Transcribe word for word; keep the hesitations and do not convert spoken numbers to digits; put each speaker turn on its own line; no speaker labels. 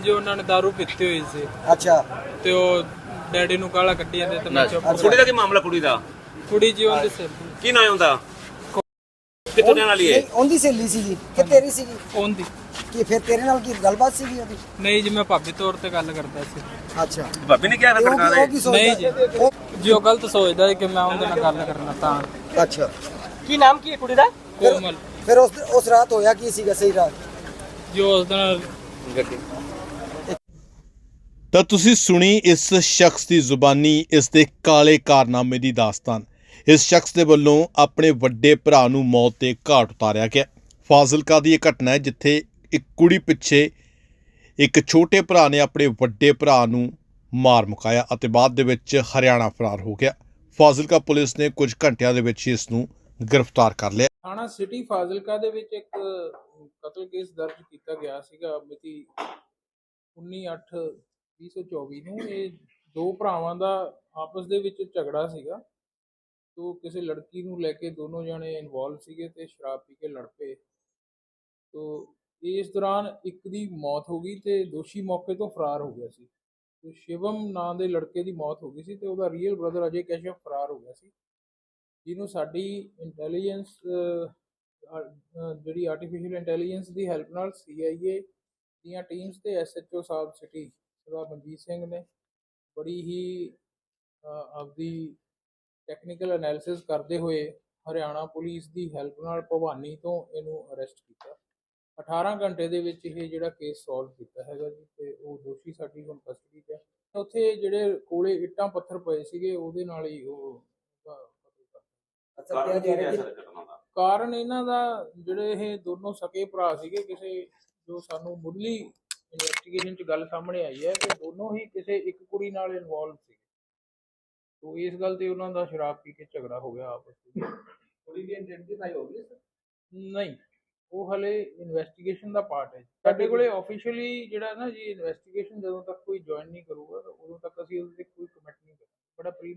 ਜੀ ਉਹਨਾਂ ਨੇ ਦਾਰੂ ਪੀਤੀ ਹੋਈ ਸੀ।
ਅੱਛਾ
ਤੇ ਉਹ ਡੈਡੀ ਨੂੰ ਗਾਲਾਂ ਕੱਢੀ ਜਾਂਦੇ ਤੇ ਮੈਂ ਚੁੱਪ।
ਕੁੜੀ ਦਾ ਕੀ ਮਾਮਲਾ? ਕੁੜੀ ਦਾ
ਕੁੜੀ ਜੀ ਉਹਦੇ ਸਿਰ
ਕੀ ਨਾਂ ਹੁੰਦਾ? ਕਿੱਥੋਂ ਰਹਿਣ ਵਾਲੀ ਹੈ?
ਨਹੀਂ, ਉਹਦੀ ਸਹੇਲੀ ਸੀਗੀ ਕਿ ਤੇਰੀ ਸੀਗੀ?
ਉਹਦੀ।
ਕਿ ਫਿਰ ਤੇਰੇ ਨਾਲ ਕੀ ਗੱਲਬਾਤ ਸੀਗੀ ਉਹਦੀ?
ਨਹੀਂ ਜੀ, ਮੈਂ ਭਾਬੀ ਤੌਰ ਤੇ ਗੱਲ ਕਰਦਾ ਸੀ।
ਅੱਛਾ,
ਭਾਬੀ ਨੇ ਕਿਹਾ
ਤੇ ਉਹ
ਸਰਕਾਰ
ਕੀ- ਉਹ
ਦੇ
ਕੀ ਸੋਚਦਾ?
ਨਹੀਂ ਜੀ।
ਉਹ-
ਜੀ ਉਹ ਗਲਤ ਸੋਚਦਾ ਹੈ ਕਿ ਮੈਂ ਉਹਦੇ ਨਾਲ ਗੱਲ ਕਰਨਾ ਤਾਂ।
ਅੱਛਾ,
ਕੀ ਨਾਮ ਕੀ ਹੈ ਕੁੜੀ ਦਾ?
ਕੋਮਲ।
ਫਿਰ ਉਸ ਉਸ ਰਾਤ ਹੋਇਆ ਕੀ ਸੀਗਾ ਸਹੀ ਰਾਤ?
ਜੋ ਉਸ ਦਿਨ
ਤਾਂ ਤੁਸੀਂ ਸੁਣੀ ਇਸ ਸ਼ਖਸ ਦੀ ਜ਼ੁਬਾਨੀ ਇਸ ਦੇ ਕਾਲੇ ਕਾਰਨਾਮੇ ਦੀ ਦਾਸਤਾਨ। ਇਸ ਸ਼ਖਸ ਦੇ ਵੱਲੋਂ ਆਪਣੇ ਵੱਡੇ ਭਰਾ ਨੂੰ ਮੌਤ ਦੇ ਘਾਟ ਉਤਾਰਿਆ ਗਿਆ। ਫਾਜ਼ਿਲਕਾ ਦੀ ਇਹ ਘਟਨਾ ਹੈ ਜਿੱਥੇ ਇੱਕ ਕੁੜੀ ਪਿੱਛੇ ਇੱਕ ਛੋਟੇ ਭਰਾ ਨੇ ਆਪਣੇ ਵੱਡੇ ਭਰਾ ਨੂੰ ਮਾਰ ਮੁਕਾਇਆ ਅਤੇ ਬਾਅਦ ਦੇ ਵਿੱਚ ਹਰਿਆਣਾ ਫਰਾਰ ਹੋ ਗਿਆ। ਫਾਜ਼ਿਲਕਾ ਪੁਲਿਸ ਨੇ ਕੁਝ ਘੰਟਿਆਂ ਦੇ ਵਿੱਚ ਹੀ ਇਸ ਨੂੰ ਗ੍ਰਿਫਤਾਰ ਕਰ ਲਿਆ।
ਥਾਣਾ ਸਿਟੀ ਫਾਜ਼ਿਲਕਾ ਦੇ ਵਿੱਚ ਇੱਕ ਕਤਲ ਕੇਸ ਦਰਜ ਕੀਤਾ ਗਿਆ ਸੀਗਾ ਮਿਤੀ ਉੱਨੀ ਅੱਠ ਵੀਹ ਸੌ ਚੌਵੀ ਨੂੰ। ਇਹ ਦੋ ਭਰਾਵਾਂ ਦਾ ਆਪਸ ਦੇ ਵਿੱਚ ਝਗੜਾ ਸੀਗਾ। ਤੋ ਕਿਸੇ ਲੜਕੀ ਨੂੰ ਲੈ ਕੇ ਦੋਨੋਂ ਜਣੇ ਇਨਵੋਲਵ ਸੀਗੇ ਤੇ ਸ਼ਰਾਬ ਪੀ ਕੇ ਲੜ ਪਏ। ਤੋ ਇਸ ਦੌਰਾਨ ਇੱਕ ਦੀ ਮੌਤ ਹੋ ਗਈ ਤੇ ਦੋਸ਼ੀ ਮੌਕੇ ਤੋਂ ਫਰਾਰ ਹੋ ਗਿਆ ਸੀ। ਤੇ ਸ਼ਿਵਮ ਨਾਂ ਦੇ ਲੜਕੇ ਦੀ ਮੌਤ ਹੋ ਗਈ ਸੀ ਤੇ ਉਹਦਾ ਰੀਅਲ ਬ੍ਰਦਰ ਅਜੇ ਕੈਸ਼ਵ ਫਰਾਰ ਹੋ ਗਿਆ ਸੀ, ਜਿਹਨੂੰ ਸਾਡੀ ਇੰਟੈਲੀਜੈਂਸ ਜਿਹੜੀ ਆਰਟੀਫਿਸ਼ੀਅਲ ਇੰਟੈਲੀਜੈਂਸ ਦੀ ਹੈਲਪ ਨਾਲ ਸੀ ਆਈ ਏ ਦੀਆਂ ਟੀਮਸ ਤੇ ਐਸ ਐਚ ਓ ਸਾਹਿਬ ਸਿਟੀ ਸਰਦਾਰ ਮਨਜੀਤ ਸਿੰਘ ਨੇ ਬੜੀ ਹੀ ਆਪਦੀ ਟੈਕਨੀਕਲ ਐਨਾਲਿਸਿਸ ਕਰਦੇ ਹੋਏ ਹਰਿਆਣਾ ਪੁਲਿਸ ਦੀ ਹੈਲਪ ਨਾਲ ਭਵਾਨੀ ਤੋਂ ਇਹਨੂੰ ਅਰੈਸਟ ਕੀਤਾ। ਅਠਾਰਾਂ ਘੰਟੇ ਦੇ ਵਿੱਚ ਇਹ ਜਿਹੜਾ ਕੇਸ ਸੋਲਵ ਕੀਤਾ ਹੈਗਾ ਜੀ ਤੇ ਉਹ ਦੋਸ਼ੀ ਸਾਡੀ ਹੁਣ ਕਸਟਡੀ 'ਚ ਹੈ। ਉੱਥੇ ਜਿਹੜੇ ਕੋਲੇ ਇੱਟਾਂ ਪੱਥਰ ਪਏ ਸੀਗੇ ਉਹਦੇ ਨਾਲ ਹੀ ਉਹ ਕਾਰਨ ਇਹਨਾਂ ਦਾ ਜਿਹੜੇ ਇਹ ਦੋਨੋਂ ਸਕੇ ਭਰਾ ਸੀਗੇ, ਕਿਸੇ ਜੋ ਸਾਨੂੰ ਮੁੱਢਲੀ ਇਨਵੈਸਟੀਗੇਸ਼ਨ 'ਚ ਗੱਲ ਸਾਹਮਣੇ ਆਈ ਹੈ ਕਿ ਦੋਨੋਂ ਹੀ ਕਿਸੇ ਇੱਕ ਕੁੜੀ ਨਾਲ ਇਨਵੋਲਵ ਸੀ। ਤੋ ਇਸ ਗੱਲ ਤੇ ਉਹਨਾਂ ਦਾ ਸ਼ਰਾਬ ਪੀ ਕੇ ਝਗੜਾ ਹੋ ਗਿਆ ਆਪਸ ਵਿੱਚ। ਕੁੜੀ ਦੀ ਆਇਡੈਂਟੀਫਾਈ ਹੋ ਗਈ? ਨਹੀਂ, ਉਹ ਹਲੇ ਇਨਵੈਸਟੀਗੇਸ਼ਨ ਦਾ ਪਾਰਟ ਹੈ। ਸਾਡੇ ਕੋਲੇ ਆਫੀਸ਼ੀਅਲੀ ਜਿਹੜਾ ਨਾ ਜੀ ਇਨਵੈਸਟੀਗੇਸ਼ਨ ਜਦੋਂ ਤੱਕ ਕੋਈ ਜੁਆਇਨ ਨਹੀਂ ਕਰੂਗਾ ਤਾਂ ਉਦੋਂ ਤੱਕ ਅਸੀਂ ਉਹਦੇ ਤੇ ਕੋਈ ਕਮੈਂਟ ਨਹੀਂ ਕਰਾਂਗੇ। ਬੜਾ ਪ੍ਰੀ